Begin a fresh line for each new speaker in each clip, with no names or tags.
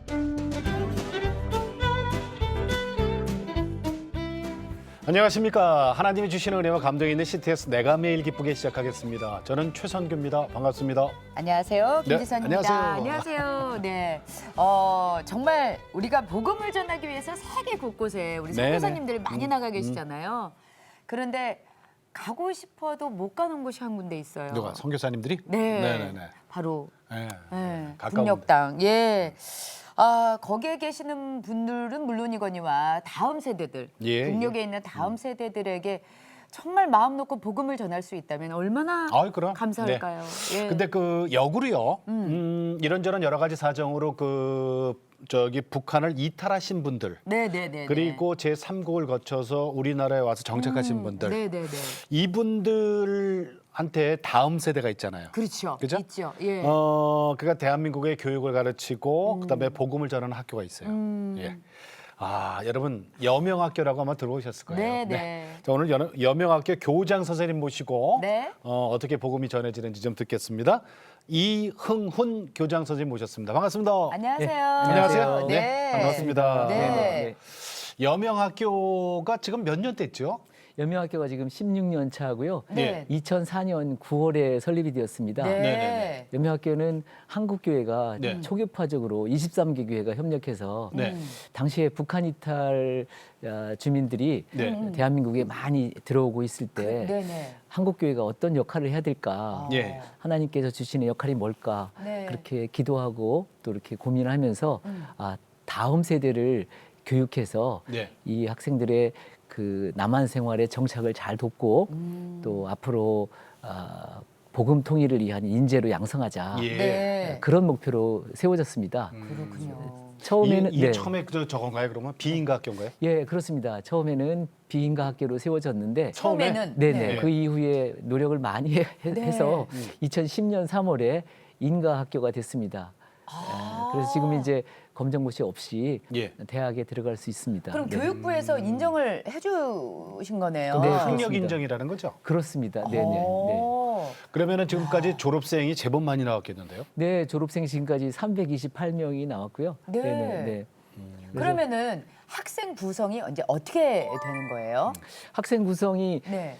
안녕하십니까. 하나님이 주시는 은혜와 감동이 있는 CTS 내가 매일 기쁘게 시작하겠습니다. 저는 최선규입니다. 반갑습니다.
안녕하세요. 김지선입니다.
네,
안녕하세요. 네, 정말 우리가 복음을 전하기 위해서 세계 곳곳에 우리 선교사님들이 많이 나가 계시잖아요. 그런데 가고 싶어도 못 가는 곳이 한 군데 있어요.
누가? 선교사님들이?
네,
네네네.
바로
네.
북녘 땅. 예. 거기에 계시는 분들은 물론이거니와 다음 세대들, 북녘에 있는 다음 세대들에게 정말 마음 놓고 복음을 전할 수 있다면 얼마나
그럼.
감사할까요?
네.
예.
근데 그 역으로요. 이런저런 여러 가지 사정으로 북한을 이탈하신 분들,
네네네.
그리고 제3국을 거쳐서 우리나라에 와서 정착하신 분들,
네네네.
이분들한테 다음 세대가 있잖아요.
그렇죠.
그죠?
있죠. 예.
그러니까 대한민국의 교육을 가르치고 그다음에 복음을 전하는 학교가 있어요. 예. 여러분 여명학교라고 아마 들어오셨을 거예요.
네.
자, 오늘 여명학교 교장 선생님 모시고
네.
어떻게 복음이 전해지는지 좀 듣겠습니다. 이흥훈 교장 선생님 모셨습니다. 반갑습니다.
안녕하세요.
안녕하세요.
네.
반갑습니다.
네.
여명학교가 지금 몇 년 됐죠?
여명학교가 지금 16년 차고요.
네.
2004년 9월에 설립이 되었습니다.
네.
여명학교는 한국교회가
네.
초교파적으로 23개 교회가 협력해서
네.
당시에 북한 이탈 주민들이
네.
대한민국에 많이 들어오고 있을 때
네네.
한국교회가 어떤 역할을 해야 될까?
예.
하나님께서 주시는 역할이 뭘까?
네.
그렇게 기도하고 또 이렇게 고민을 하면서 다음 세대를 교육해서
네.
이 학생들의 그 남한 생활의 정착을 잘 돕고 또 앞으로 복음 통일을 위한 인재로 양성하자.
예.
네.
그런 목표로 세워졌습니다.
그렇군요.
처음에는
이 처음에 저건가요? 그러면 비인가 학교인가요?
예, 그렇습니다. 처음에는 비인가 학교로 세워졌는데
처음에는
네네.
네.
그 이후에 노력을 많이 해서 2010년 3월에 인가 학교가 됐습니다. 그래서 지금 이제 검정고시 없이
예.
대학에 들어갈 수 있습니다.
그럼
네.
교육부에서 인정을 해주신 거네요.
네,
학력
그렇습니다.
인정이라는 거죠?
그렇습니다. 네네. 네.
오.
그러면은 지금까지 졸업생이 제법 많이 나왔겠는데요?
네, 졸업생 지금까지 328명이 나왔고요.
네.
네.
그러면은 학생 구성이 이제 어떻게 되는 거예요?
학생 구성이
네.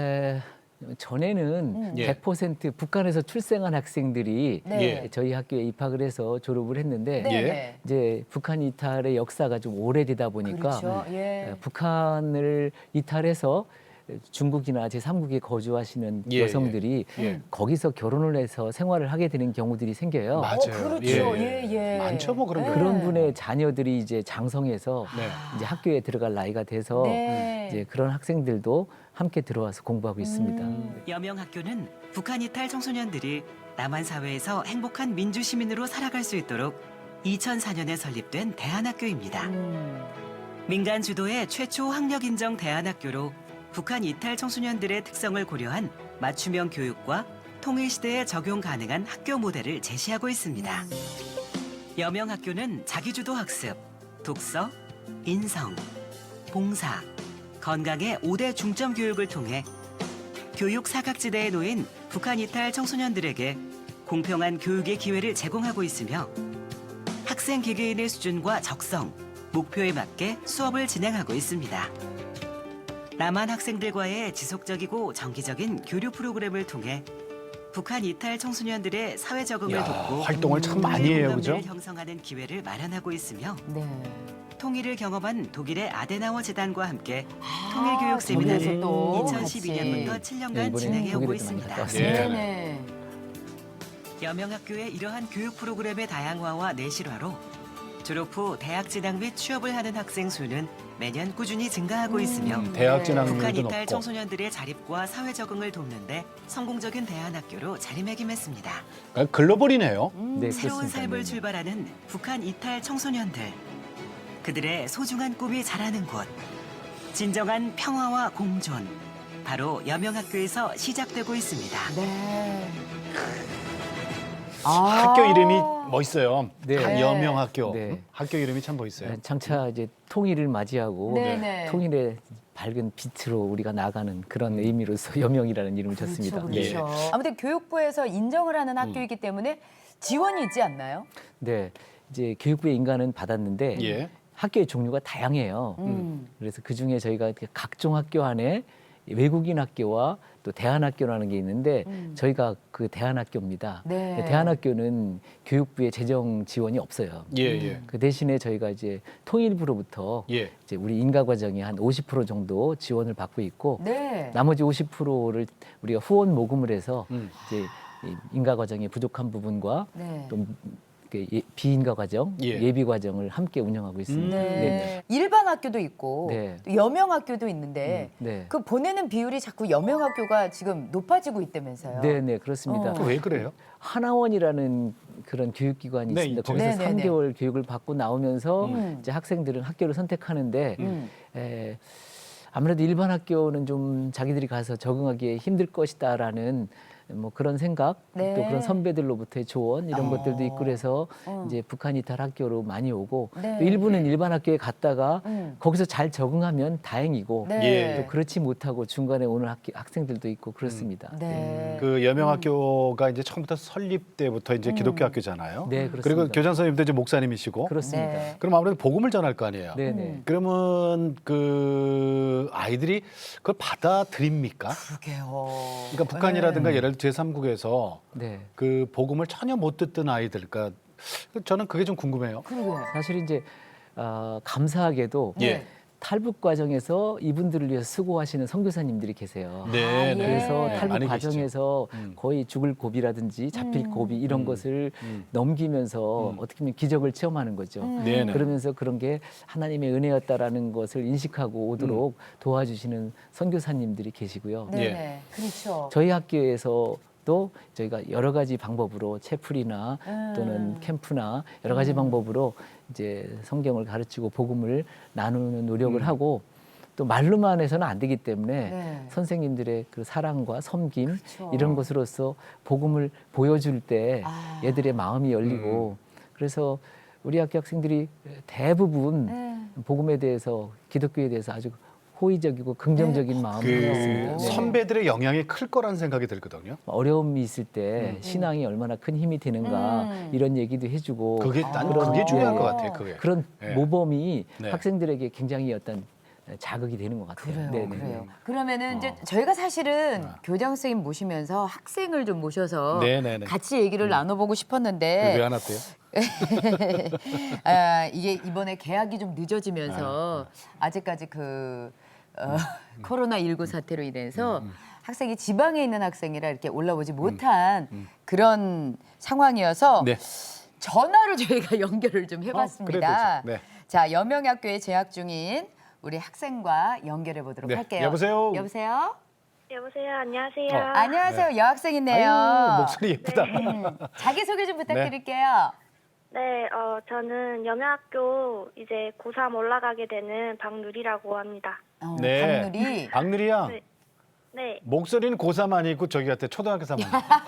전에는
예.
100% 북한에서 출생한 학생들이
네.
저희 학교에 입학을 해서 졸업을 했는데
네.
예.
네.
이제 북한 이탈의 역사가 좀 오래되다 보니까
그렇죠. 예.
북한을 이탈해서 중국이나 제3국에 거주하시는
예,
여성들이
예.
거기서 결혼을 해서 생활을 하게 되는 경우들이 생겨요.
맞아요.
그렇죠.
예.
예.
많죠, 뭐 그런 거.
그런 분의 자녀들이 이제 장성해서
네.
이제 학교에 들어갈 나이가 돼서
네.
이제 그런 학생들도 함께 들어와서 공부하고 있습니다.
여명학교는 북한 이탈 청소년들이 남한 사회에서 행복한 민주 시민으로 살아갈 수 있도록 2004년에 설립된 대안학교입니다. 민간 주도의 최초 학력 인정 대안학교로 북한 이탈 청소년들의 특성을 고려한 맞춤형 교육과 통일 시대에 적용 가능한 학교 모델을 제시하고 있습니다. 여명학교는 자기주도 학습, 독서, 인성, 봉사, 건강의 5대 중점 교육을 통해 교육 사각지대에 놓인 북한 이탈 청소년들에게 공평한 교육의 기회를 제공하고 있으며 학생 개개인의 수준과 적성, 목표에 맞게 수업을 진행하고 있습니다. 남한 학생들과의 지속적이고 정기적인 교류 프로그램을 통해 북한 이탈 청소년들의 사회 적응을 돕고
활동을 참 많이 해요, 그죠?
공감대를 형성하는 기회를 마련하고 있으며
네.
통일을 경험한 독일의 아데나워 재단과 함께 통일교육 세미나를
독일에서 또
2012년부터
같이.
7년간
이번에
진행해 오고
독일에도 많이
있습니다.
갔다 왔습니다.
예.
네네.
여명학교의 이러한 교육 프로그램의 다양화와 내실화로 졸업 후 대학 진학 및 취업을 하는 학생 수는 매년 꾸준히 증가하고 있으며
대학
네.
진학률도
북한
높고.
이탈 청소년들의 자립과 사회 적응을 돕는데 성공적인 대안학교로 자리매김했습니다.
글로벌이네요.
네,
새로운
그렇습니다.
삶을
네.
출발하는 북한 이탈 청소년들. 그들의 소중한 꿈이 자라는 곳. 진정한 평화와 공존. 바로 여명학교에서 시작되고 있습니다.
네.
학교 이름이 멋있어요.
네.
여명학교.
네.
학교 이름이 참 멋있어요.
장차 이제 통일을 맞이하고
네네.
통일의 밝은 빛으로 우리가 나가는 그런 의미로서 여명이라는 이름을 줬습니다.
그렇죠. 아무튼 교육부에서 인정을 하는 학교이기 때문에 지원이 있지 않나요?
네. 이제 교육부의 인가는 받았는데
예.
학교의 종류가 다양해요. 그래서 그 중에 저희가 이렇게 각종 학교 안에 외국인 학교와 또 대안학교라는 게 있는데 저희가 그 대안학교입니다.
네.
대안학교는 교육부의 재정 지원이 없어요.
예, 예.
그 대신에 저희가 이제 통일부로부터
예.
이제 우리 인가 과정이 한 50% 정도 지원을 받고 있고
네.
나머지 50%를 우리가 후원 모금을 해서
음.
이제 이 인가 과정의 부족한 부분과
네.
또 그 비인가 과정,
예.
예비 과정을 함께 운영하고 있습니다.
네. 일반 학교도 있고
네.
또 여명 학교도 있는데
네.
그 보내는 비율이 자꾸 여명 학교가 지금 높아지고 있다면서요.
네, 네, 그렇습니다.
왜 그래요?
하나원이라는 그런 교육기관이
네,
있습니다.
있죠.
거기서
네, 네, 네.
3개월 교육을 받고 나오면서 이제 학생들은 학교를 선택하는데 아무래도 일반 학교는 좀 자기들이 가서 적응하기에 힘들 것이다라는 뭐 그런 생각,
네.
또 그런 선배들로부터의 조언 이런 것들도 있고 그래서
어.
이제 북한 이탈 학교로 많이 오고
네.
또 일부는 일반 학교에 갔다가
음.
거기서 잘 적응하면 다행이고
네.
예.
또 그렇지 못하고 중간에 오는 학생들도 있고 그렇습니다.
네.
그 여명학교가 이제 처음부터 설립 때부터 이제 기독교 학교잖아요.
네, 그렇습니다.
그리고 교장 선생님도 이제 목사님이시고.
그렇습니다.
네.
그럼 아무래도 복음을 전할 거 아니에요.
네, 네.
그러면 그 아이들이 그걸 받아들입니까?
그러게요.
그러니까 북한이라든가 예를 들어 제3국에서
네.
그 복음을 전혀 못 듣던 아이들, 그러니까 저는 그게 좀 궁금해요.
그러게요.
사실 이제 감사하게도
예.
탈북 과정에서 이분들을 위해서 수고하시는 선교사님들이 계세요.
네, 네.
그래서
예.
탈북
많이
과정에서
계시죠.
거의 죽을 고비라든지 잡힐 고비 이런 것을 넘기면서 어떻게 보면 기적을 체험하는 거죠.
네, 네.
그러면서 그런 게 하나님의 은혜였다라는 것을 인식하고 오도록 도와주시는 선교사님들이 계시고요.
네,
예.
네. 그렇죠.
저희 학교에서도 저희가 여러 가지 방법으로 채플이나 또는 캠프나 여러 가지 방법으로 이제 성경을 가르치고 복음을 나누는 노력을 하고 또 말로만 해서는 안 되기 때문에
네.
선생님들의 그 사랑과 섬김
그렇죠.
이런 것으로서 복음을 보여줄 때
아.
얘들의 마음이 열리고 그래서 우리 학교 학생들이 대부분
네.
복음에 대해서 기독교에 대해서 아주 호의적이고 긍정적인 마음을
그
갖고 있습니다. 네.
선배들의 영향이 클 거라는 생각이 들거든요.
어려움이 있을 때 신앙이 얼마나 큰 힘이 되는가 이런 얘기도 해주고
그게 난
그런,
그게 중요한
네,
것 같아요. 그게.
그런
네.
모범이
네.
학생들에게 굉장히 어떤 자극이 되는 것 같아요.
그래요,
네네.
그래요. 그러면은 이제 저희가 사실은 교장 선생님 모시면서 학생을 좀 모셔서
네네네.
같이 얘기를 나눠보고 싶었는데
왜 안 왔대요?
이게 이번에 개학이 좀 늦어지면서 아직까지 그 코로나19 사태로 인해서 학생이 지방에 있는 학생이라 이렇게 올라오지 못한 그런 상황이어서
네.
전화로 저희가 연결을 좀 해봤습니다.
그래도 네.
자, 여명학교에 재학 중인 우리 학생과 연결해 보도록
네,
할게요.
여보세요?
여보세요?
여보세요. 안녕하세요.
안녕하세요. 여학생이네요.
아유, 목소리 예쁘다.
자기소개 좀 부탁드릴게요.
네, 저는 여명학교 이제 고3 올라가게 되는 박누리라고 합니다.
네.
박누리.
박누리 양,
네. 네,
목소리는 고3 아니고 저기 같아 초등학교 3학년.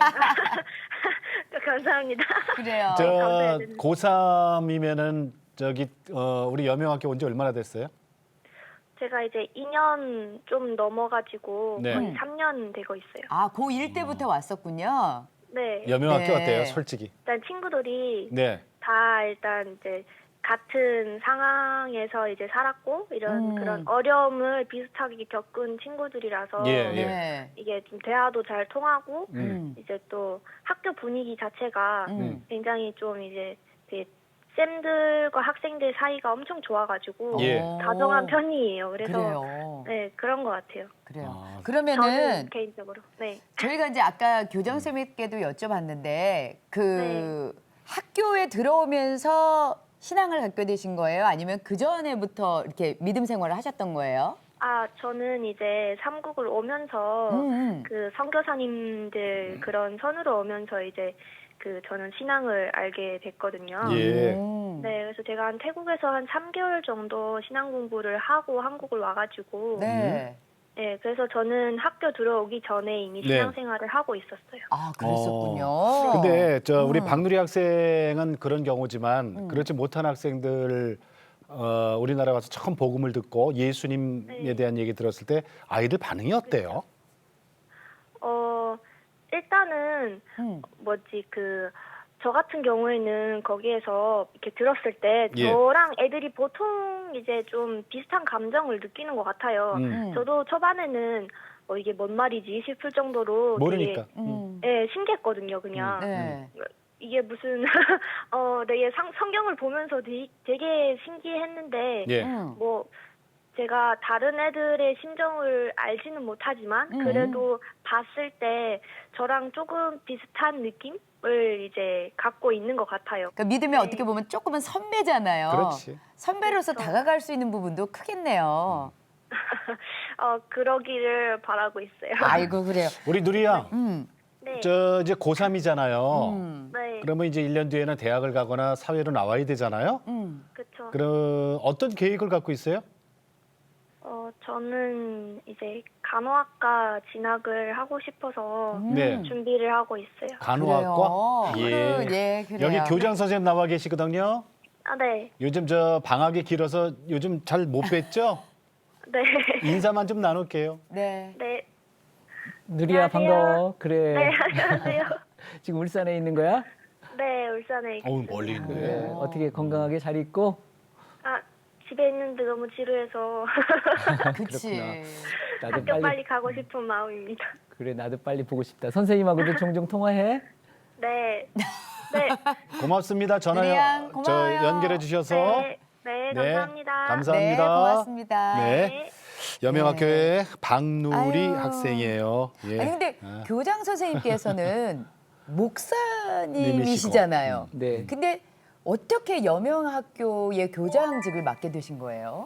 감사합니다.
그래요.
저
감사해야 되는데.
고3이면은 저기 우리 여명학교 온 지 얼마나 됐어요?
제가 이제 2년 좀 넘어가지고
네.
거의 3년 되고 있어요.
아, 고1 때부터 왔었군요.
네,
여명학교
네.
어때요? 솔직히.
일단 친구들이
네.
다 일단 이제 같은 상황에서 이제 살았고 이런 그런 어려움을 비슷하게 겪은 친구들이라서
예, 예.
네.
이게 좀 대화도 잘 통하고
음.
이제 또 학교 분위기 자체가 굉장히 좀 이제 되게 쌤들과 학생들 사이가 엄청 좋아가지고
예.
다정한 편이에요. 그래서
그래요.
네 그런 것 같아요.
그래요.
아,
그러면은
저는 개인적으로 네.
저희가 이제 아까 교장 선생님께도 여쭤봤는데 그 학교에 들어오면서 신앙을 갖게 되신 거예요? 아니면 그 전에부터 이렇게 믿음 생활을 하셨던 거예요?
아 저는 이제 삼국을 오면서 그 선교사님들 그런 선으로 오면서 이제 그 저는 신앙을 알게 됐거든요.
예.
네, 그래서 제가 한 태국에서 한 3개월 정도 신앙 공부를 하고 한국을 와가지고
네.
네, 그래서 저는 학교 들어오기 전에 이미
네.
신앙생활을 하고 있었어요.
아, 그랬었군요.
근데 저 우리 박누리 학생은 그런 경우지만 그렇지 못한 학생들 우리나라 와서 처음 복음을 듣고 예수님에
네.
대한 얘기 들었을 때 아이들 반응이 어때요?
일단은
음.
뭐지 그 저 같은 경우에는 거기에서 이렇게 들었을 때
예.
저랑 애들이 보통 이제 좀 비슷한 감정을 느끼는 것 같아요. 저도 초반에는 이게 뭔 말이지 싶을 정도로
모르니까.
되게 신기했거든요, 그냥.
네.
이게 무슨 되게 성경을 보면서 되게 신기했는데
예.
뭐 제가 다른 애들의 심정을 알지는 못하지만 그래도 봤을 때 저랑 조금 비슷한 느낌을 이제 갖고 있는 것 같아요.
그러니까 믿음이 어떻게 보면 조금은 선배잖아요.
그렇지.
선배로서 다가갈 수 있는 부분도 크겠네요.
그러기를 바라고 있어요.
아이고 그래요.
우리 누리 양,
네.
저 이제 고3이잖아요.
네.
그러면 이제 1년 뒤에는 대학을 가거나 사회로 나와야 되잖아요.
그렇죠.
그럼 어떤 계획을 갖고 있어요?
저는 이제 간호학과 진학을 하고 싶어서
네.
준비를 하고 있어요.
간호학과?
그래요. 예, 그래요.
여기 교장 선생님 나와 계시거든요.
아, 네.
요즘 저 방학이 길어서 요즘 잘 못 뵀죠?
네.
인사만 좀 나눌게요.
네.
네.
누리야
안녕하세요.
반가워. 그래.
네, 안녕하세요.
지금 울산에 있는 거야?
네, 울산에 있습니다.
어우 멀리 있네.
그래. 어떻게 건강하게 잘 있고?
집에 있는데 너무 지루해서
그치.
나도
학교 빨리 가고 싶은 마음입니다.
그래 나도 빨리 보고 싶다. 선생님하고도 종종 통화해.
네. 네.
고맙습니다. 전화
누리 양,
저
고마워요.
연결해 주셔서.
네. 네, 감사합니다.
감사합니다.
네, 고맙습니다.
네. 여명학교의 박누리
아유.
학생이에요. 예.
아니 근데
아.
교장 선생님께서는 목사님이시잖아요.
네.
근데 어떻게 여명학교의 교장직을 맡게 되신 거예요?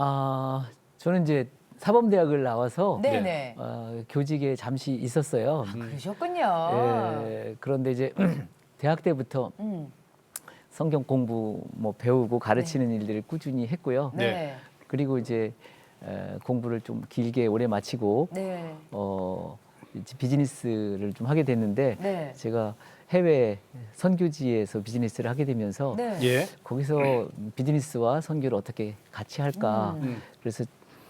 저는 이제 사범대학을 나와서
네네.
교직에 잠시 있었어요.
그러셨군요.
그런데 이제 대학 때부터 성경 공부 뭐 배우고 가르치는 일들을 꾸준히 했고요.
네.
그리고 이제 공부를 좀 길게 오래 마치고
네.
이제 비즈니스를 좀 하게 됐는데
네.
제가 해외 선교지에서 비즈니스를 하게 되면서
네.
예.
거기서 비즈니스와 선교를 어떻게 같이 할까. 그래서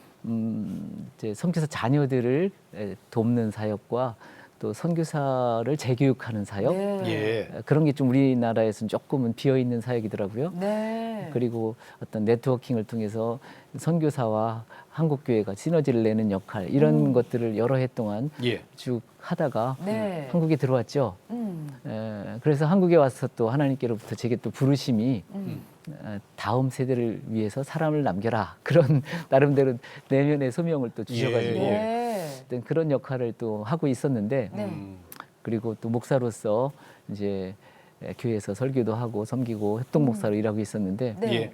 이제 선교사 자녀들을 돕는 사역과 또 선교사를 재교육하는 사역
네.
예.
그런 게 좀 우리나라에서는 조금은 비어 있는 사역이더라고요.
네.
그리고 어떤 네트워킹을 통해서 선교사와 한국 교회가 시너지를 내는 역할 이런 것들을 여러 해 동안
예.
쭉 하다가
네.
한국에 들어왔죠. 그래서 한국에 와서 또 하나님께로부터 제게 또 부르심이 다음 세대를 위해서 사람을 남겨라 그런 나름대로 내면의 소명을 또 주셔가지고
예.
네.
어떤 그런 역할을 또 하고 있었는데
네.
그리고 또 목사로서 이제 교회에서 설교도 하고 섬기고 협동 목사로 일하고 있었는데
네.
예.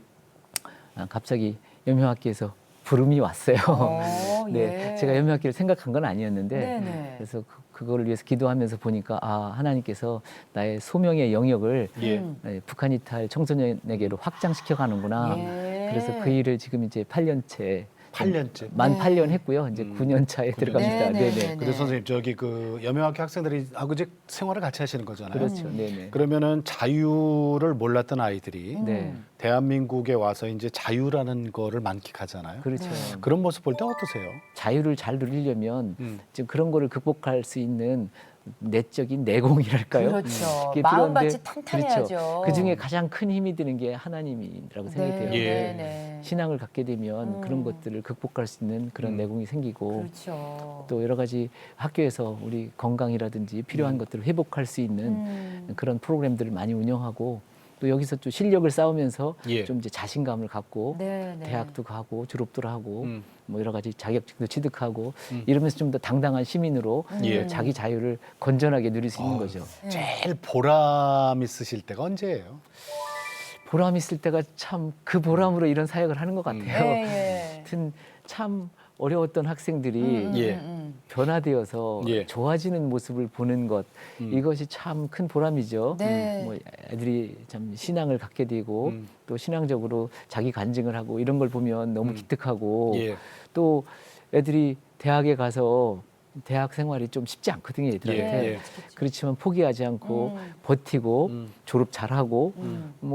갑자기 여명학교에서 부름이 왔어요.
예.
제가 여명학교를 생각한 건 아니었는데
네네.
그래서 그거를 위해서 기도하면서 보니까 하나님께서 나의 소명의 영역을
예.
북한 이탈 청소년에게로 확장시켜 가는구나.
예.
그래서 그 일을 지금 이제 8년째
8년째.
만
네.
8년 했고요. 이제 9년 차에 들어갑니다.
네, 네,
네네.
네.
근데 선생님 저기 그 여명학교 학생들이 하고 이제 생활을 같이 하시는 거잖아요.
그렇죠. 네네.
그러면은 자유를 몰랐던 아이들이
네.
대한민국에 와서 이제 자유라는 거를 만끽하잖아요.
그렇죠.
그런 모습 볼 때 어떠세요?
자유를 잘 누리려면
음.
지금 그런 거를 극복할 수 있는 내적인 내공이랄까요?
그렇죠.
그게
마음밭이
필요한데,
탄탄해야죠.
그렇죠. 그 중에 가장 큰 힘이 드는 게 하나님이라고 생각이 돼요.
예.
네, 네.
신앙을 갖게 되면 그런 것들을 극복할 수 있는 그런 내공이 생기고
그렇죠.
또 여러 가지 학교에서 우리 건강이라든지 필요한 것들을 회복할 수 있는 그런 프로그램들을 많이 운영하고 또 여기서 또 실력을 쌓으면서
예.
좀 이제 자신감을 갖고
네, 네.
대학도 가고 졸업도 하고
음.
뭐 여러 가지 자격증도 취득하고 이러면서 좀 더 당당한 시민으로
예.
자기 자유를 건전하게 누릴 수 있는 거죠.
제일 보람 있으실 때가 언제예요?
보람 있을 때가 참 그 보람으로 이런 사역을 하는 것 같아요.
예.
하여튼 참 어려웠던 학생들이
예.
변화되어서
예.
좋아지는 모습을 보는 것 이것이 참 큰 보람이죠.
네.
뭐 애들이 참 신앙을 갖게 되고 또 신앙적으로 자기 간증을 하고 이런 걸 보면 너무 기특하고
예.
또 애들이 대학에 가서 대학 생활이 좀 쉽지 않거든요, 애들한테.
예.
그렇지만 포기하지 않고 버티고 졸업 잘하고 뭐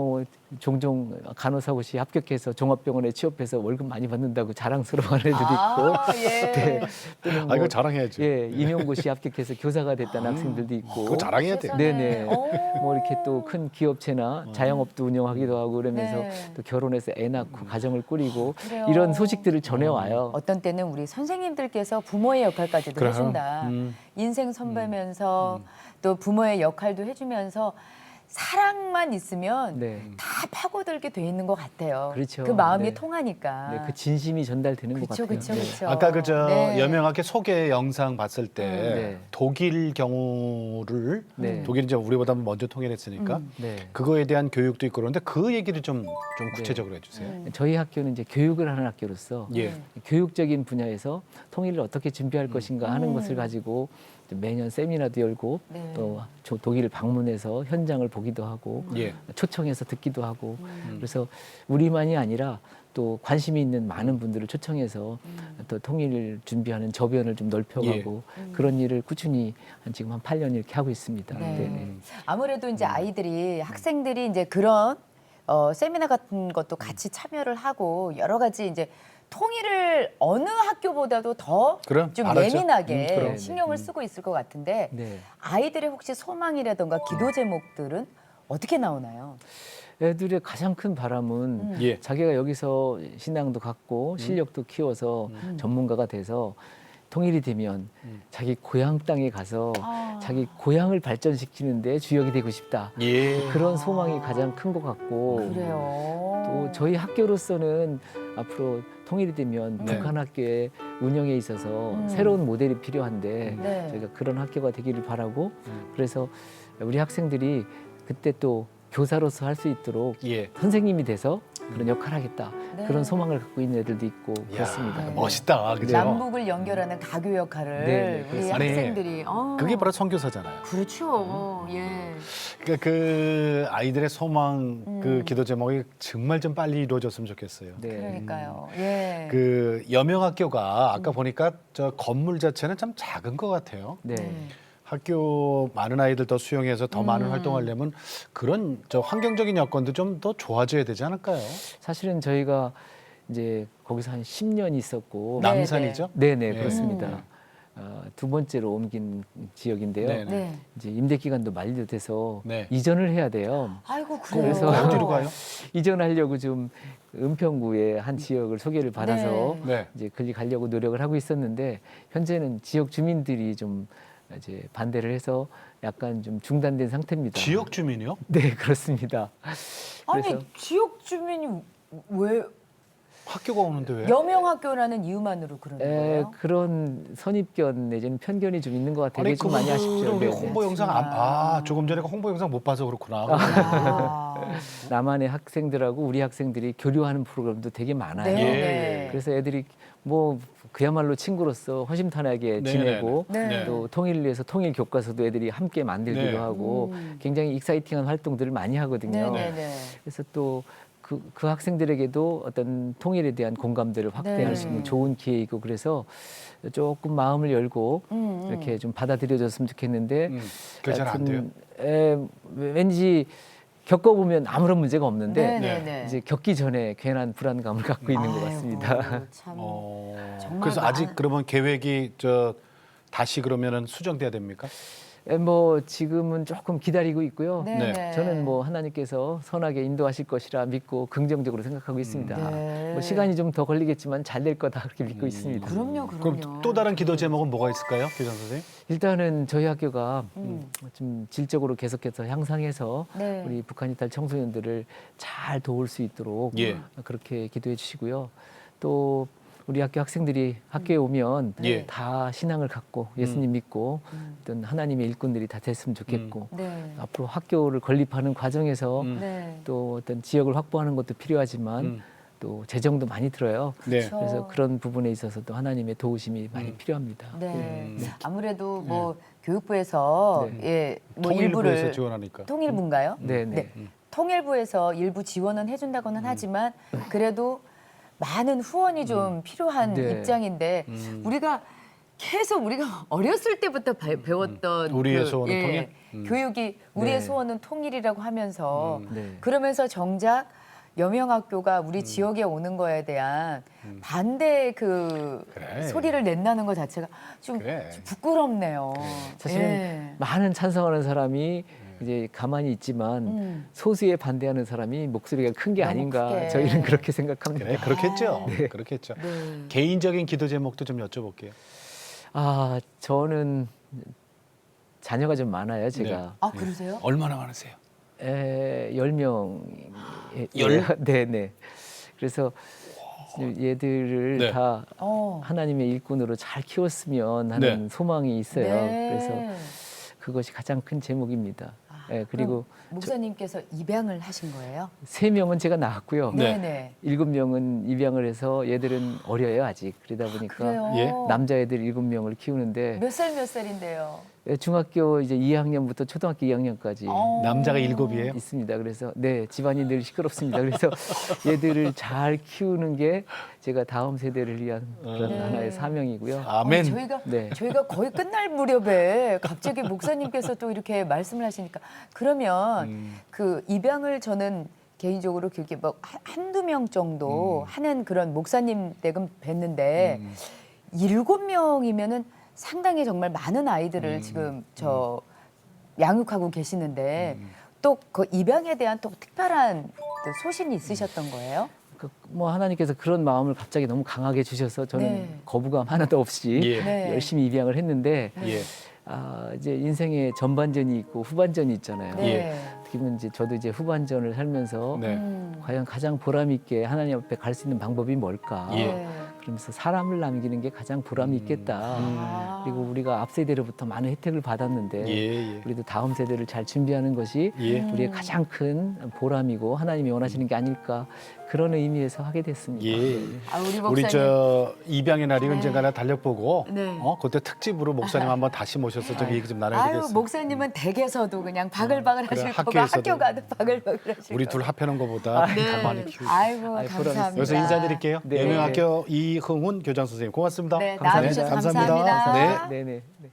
종종 간호사고시 합격해서 종합병원에 취업해서 월급 많이 받는다고 자랑스러워하는 애들도 있고,
아, 예.
네, 또는
아, 이거 자랑해야죠.
예, 임용고시 합격해서 교사가 됐다는 학생들도 있고,
그거 자랑해야 돼요.
네네.
오.
뭐 이렇게 또 큰 기업체나 자영업도 운영하기도 하고 그러면서
네.
또 결혼해서 애 낳고 가정을 꾸리고
그래요.
이런 소식들을 전해와요.
어떤 때는 우리 선생님들께서 부모의 역할까지도
그래요?
해준다. 인생 선배면서 또 부모의 역할도 해주면서 사랑만 있으면
네.
다 파고들게 돼 있는 것 같아요.
그렇죠.
그 마음이
네.
통하니까.
네, 그 진심이 전달되는 것
그렇죠,
같아요.
그렇죠,
네.
그렇죠.
아까 그저
네.
여명학교 소개 영상 봤을 때
네.
독일 경우를
네.
독일이 이제 우리보다 먼저 통일했으니까
네.
그거에 대한 교육도 있고 그런데 그 얘기를 좀 구체적으로 해주세요.
저희 학교는 이제 교육을 하는 학교로서
예.
교육적인 분야에서 통일을 어떻게 준비할 것인가 하는 것을 가지고 매년 세미나도 열고
네.
또 독일 방문해서 현장을 보기도 하고
예.
초청해서 듣기도 하고 그래서 우리만이 아니라 또 관심이 있는 많은 분들을 초청해서 또 통일을 준비하는 저변을 좀 넓혀가고 그런 일을 꾸준히 지금 한 8년 이렇게 하고 있습니다.
네.
네네.
아무래도 이제 아이들이 학생들이 이제 그런 세미나 같은 것도 같이 참여를 하고 여러 가지 이제 통일을 어느 학교보다도 더
그럼,
좀
알았죠.
예민하게
그럼.
신경을 쓰고 있을 것 같은데
네.
아이들의 혹시 소망이라던가 기도 제목들은 어떻게 나오나요?
애들의 가장 큰 바람은
예.
자기가 여기서 신앙도 갖고 실력도 키워서 전문가가 돼서 통일이 되면 자기 고향 땅에 가서 자기 고향을 발전시키는데 주역이 되고 싶다.
예.
그런 소망이 가장 큰 것 같고
그래요.
또 저희 학교로서는 앞으로 통일이 되면
네.
북한 학교의 운영에 있어서 새로운 모델이 필요한데
네.
저희가 그런 학교가 되기를 바라고 그래서 우리 학생들이 그때 또 교사로서 할 수 있도록
예.
선생님이 돼서 그런 역할을 하겠다.
네.
그런 소망을 갖고 있는 애들도 있고
야,
그렇습니다.
네.
멋있다. 그죠?
남북을 연결하는 가교 역할을
네,
우리
그렇습니다.
아니,
학생들이
그게 바로 선교사잖아요.
그렇죠. 예.
그러니까 그 아이들의 소망, 그 기도 제목이 정말 좀 빨리 이루어졌으면 좋겠어요.
네.
그러니까요. 예.
그 여명학교가 아까 보니까 저 건물 자체는 참 작은 것 같아요.
네.
학교 많은 아이들 더 수용해서 더 많은 활동하려면 그런 저 환경적인 여건도 좀 더 좋아져야 되지 않을까요?
사실은 저희가 이제 거기서 한 10년 있었고
네,
남산이죠?
네네
네.
그렇습니다. 두 번째로 옮긴 지역인데요.
네.
네.
이제 임대 기간도 만료돼서
네.
이전을 해야 돼요.
아이고 그래요.
그래서
어디로 가요?
이전하려고 좀 은평구의 한 지역을 소개를 받아서
네.
이제 거기 가려고 노력을 하고 있었는데 현재는 지역 주민들이 좀 이제 반대를 해서 약간 좀 중단된 상태입니다.
지역 주민이요?
네 그렇습니다.
아니
그래서
지역 주민이 왜
학교가 오는데 왜?
여명학교라는 이유만으로 그러는 거예요?
그런 선입견 내지는 편견이 좀 있는 것 같아요.
아니
그게 좀 많이 아쉽죠.
그거를
네, 네.
홍보 영상 조금 전에 그 홍보 영상 못 봐서 그렇구나.
아.
남한의 학생들하고 우리 학생들이 교류하는 프로그램도 되게 많아요.
네.
예.
네.
그래서 애들이 뭐 그야말로 친구로서 허심탄회하게
네,
지내고
네, 네.
또 통일을 위해서 통일 교과서도 애들이 함께 만들기도
네.
하고 굉장히 익사이팅한 활동들을 많이 하거든요.
네네네.
그래서 또 그 학생들에게도 어떤 통일에 대한 공감대를 확대할
네.
수 있는 좋은 기회이고 그래서 조금 마음을 열고 이렇게 좀 받아들여졌으면 좋겠는데
그게 잘 안 돼요.
왠지 겪어보면 아무런 문제가 없는데
네네네.
이제 겪기 전에 괜한 불안감을 갖고 있는 것
아이고,
같습니다.
참. 정말
그래서 아직
많은-
그러면 계획이 저 다시 그러면은 수정돼야 됩니까?
뭐 지금은 조금 기다리고 있고요.
네네.
저는 뭐 하나님께서 선하게 인도하실 것이라 믿고 긍정적으로 생각하고 있습니다.
네.
뭐 시간이 좀 더 걸리겠지만 잘 될 거다 그렇게 믿고 있습니다.
그럼요.
그럼 또 다른 기도 제목은 뭐가 있을까요, 교장 선생님?
일단은 저희 학교가 좀 질적으로 계속해서 향상해서
네.
우리 북한 이탈 청소년들을 잘 도울 수 있도록
예.
그렇게 기도해 주시고요. 또 우리 학교 학생들이 학교에 오면
예.
다 신앙을 갖고 예수님 믿고 어떤 하나님의 일꾼들이 다 됐으면 좋겠고
네.
앞으로 학교를 건립하는 과정에서
네.
또 어떤 지역을 확보하는 것도 필요하지만 또 재정도 많이 들어요.
네.
그렇죠.
그래서 그런 부분에 있어서도 하나님의 도우심이 많이 필요합니다.
네. 아무래도 뭐 교육부에서
네.
예, 뭐
통일부에서
일부를
지원하니까.
통일부인가요?
네, 네.
통일부에서 일부 지원은 해준다고는 하지만 그래도 많은 후원이 좀 필요한
네.
입장인데 우리가 계속 우리가 어렸을 때부터 배웠던
우리의
그,
소원은 통일?
교육이 우리의
네.
소원은 통일이라고 하면서
네.
그러면서 정작 여명학교가 우리 지역에 오는 거에 대한 반대 그
그래.
소리를 낸다는 것 자체가 좀,
그래.
좀 부끄럽네요.
사실은
예.
많은 찬성하는 사람이 이제 가만히 있지만 소수에 반대하는 사람이 목소리가 큰 게
너무
아닌가
크게.
저희는 그렇게 생각합니다.
그래, 그렇겠죠.
네.
그렇겠죠.
네.
개인적인 기도 제목도 좀 여쭤볼게요.
아 저는 자녀가 좀 많아요. 제가
아 그러세요?
얼마나 많으세요?
10명.
열?
네네. 그래서 얘들을
네.
다
어.
하나님의 일꾼으로 잘 키웠으면 하는
네.
소망이 있어요.
네.
그래서 그것이 가장 큰 제목입니다. 예, 그리고
그럼 목사님께서 입양을 하신 거예요?
3명은 제가 낳았고요.
네.
네네.
7명은 입양을 해서 얘들은 어려요 아직. 그러다 보니까
그래요.
예.
남자애들 7명을 키우는데
몇 살인데요?
중학교 이제 2학년부터 초등학교 2학년까지
남자가 7이에요?
있습니다. 그래서 네 집안이 늘 시끄럽습니다. 그래서 얘들을 잘 키우는 게 제가 다음 세대를 위한 그런
네.
하나의 사명이고요.
아멘.
저희가 거의 끝날 무렵에 갑자기 목사님께서 또 이렇게 말씀을 하시니까 그러면 그 입양을 저는 개인적으로 그렇게 뭐 한두 명 정도 하는 그런 목사님 댁은 뵀는데 7명이면은 상당히 정말 많은 아이들을 지금 양육하고 계시는데 또 그 입양에 대한 또 특별한 또 소신이 있으셨던 거예요?
뭐 하나님께서 그런 마음을 갑자기 너무 강하게 주셔서 저는
네.
거부감 하나도 없이
예.
네.
열심히 입양을 했는데
예.
이제 인생에 전반전이 있고 후반전이 있잖아요.
네.
어떻게 보면 이제 저도 이제 후반전을 살면서
네.
과연 가장 보람 있게 하나님 앞에 갈 수 있는 방법이 뭘까?
예.
그러면서 사람을 남기는 게 가장 보람이 있겠다.
아.
그리고 우리가 앞 세대로부터 많은 혜택을 받았는데
예, 예.
우리도 다음 세대를 잘 준비하는 것이
예.
우리의 가장 큰 보람이고 하나님이 원하시는 게 아닐까 그런 의미에서 하게 됐습니다.
예.
아, 우리 목사님.
우리 저 입양의 날이
네.
언젠가나 달력보고
네.
그때 특집으로 목사님 한번 다시 모셔서 좀 얘기 좀 나눠야
아유
되겠어요.
목사님은 댁에서도 그냥 바글바글
그래,
하실 거고
학교에서도.
학교 가도 바글바글 하실
우리
거고.
둘 합해놓은 것보다 더 많이 키우고.
아이고
아이, 보람
감사합니다.
여기서 인사드릴게요.
네.
예명학교 이흥훈 교장 선생님 고맙습니다.
네,
감사합니다.
나와주셔서 감사합니다.
네.
네네. 네.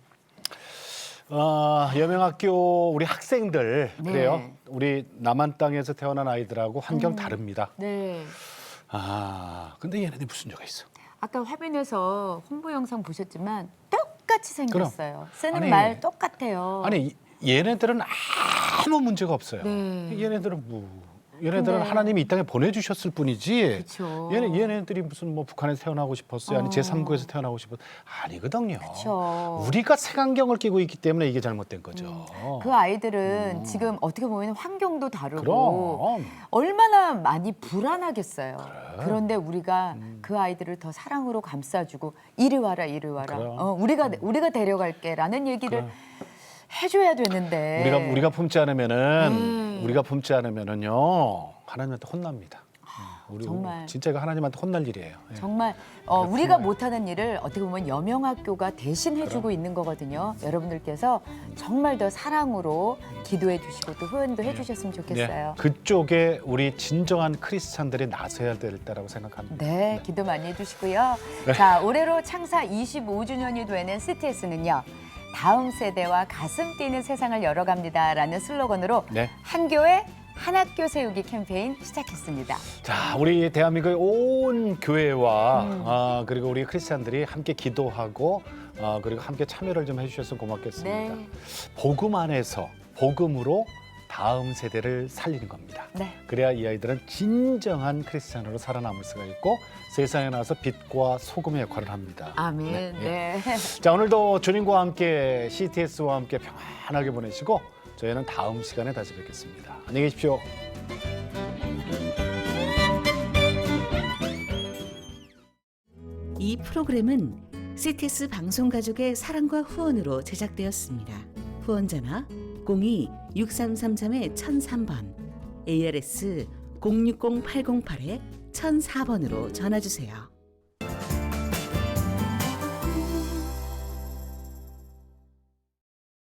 여명학교 우리 학생들
네.
그래요. 우리 남한 땅에서 태어난 아이들하고 환경 다릅니다.
네.
근데 얘네들이 무슨 죄가 있어?
아까 화면에서 홍보 영상 보셨지만 똑같이 생겼어요. 쓰는
아니,
말 똑같아요.
아니 얘네들은 아무 문제가 없어요.
네.
얘네들은 얘네들은
근데-
하나님이 이 땅에 보내주셨을 뿐이지.
그쵸.
얘네들이 무슨 뭐 북한에서 태어나고 싶었어요, 아니 제3국에서 태어나고 싶었 아니거든요.
그쵸.
우리가 색안경을 끼고 있기 때문에 이게 잘못된 거죠.
그 아이들은 지금 어떻게 보면 환경도 다르고
그럼
얼마나 많이 불안하겠어요. 그런데 우리가 그 아이들을 더 사랑으로 감싸주고 이리 와라 이리 와라.
그럼.
우리가 데려갈게라는 얘기를 해줘야 되는데
우리가 품지 않으면은 우리가 품지 않으면은요 하나님한테 혼납니다. 우리
정말.
진짜 이거 하나님한테 혼날 일이에요. 예.
정말 우리가 못하는 일을 어떻게 보면 여명학교가 대신 해주고 있는 거거든요. 여러분들께서 정말 더 사랑으로 기도해 주시고 또 후원도 해주셨으면 좋겠어요.
그쪽에 우리 진정한 크리스찬들이 나서야 될 때라고 생각합니다.
네, 기도 많이 해주시고요. 자, 올해로 창사 25주년이 되는 CTS는요. 다음 세대와 가슴 뛰는 세상을 열어갑니다라는 슬로건으로
네.
한 교회 한 학교 세우기 캠페인 시작했습니다.
자, 우리 대한민국의 온 교회와 그리고 우리 크리스찬들이 함께 기도하고 그리고 함께 참여를 좀 해주셨으면 고맙겠습니다.
네.
복음 안에서 복음으로 다음 세대를 살리는 겁니다.
네.
그래야 이 아이들은 진정한 크리스찬으로 살아남을 수가 있고 세상에 나와서 빛과 소금의 역할을 합니다.
아멘. 네.
자, 오늘도 주님과 함께 CTS와 함께 평안하게 보내시고 저희는 다음 시간에 다시 뵙겠습니다. 안녕히 계십시오.
이 프로그램은 CTS 방송가족의 사랑과 후원으로 제작되었습니다. 후원전화 02-6333-1003번, ARS 060-808-1004번으로 전화주세요.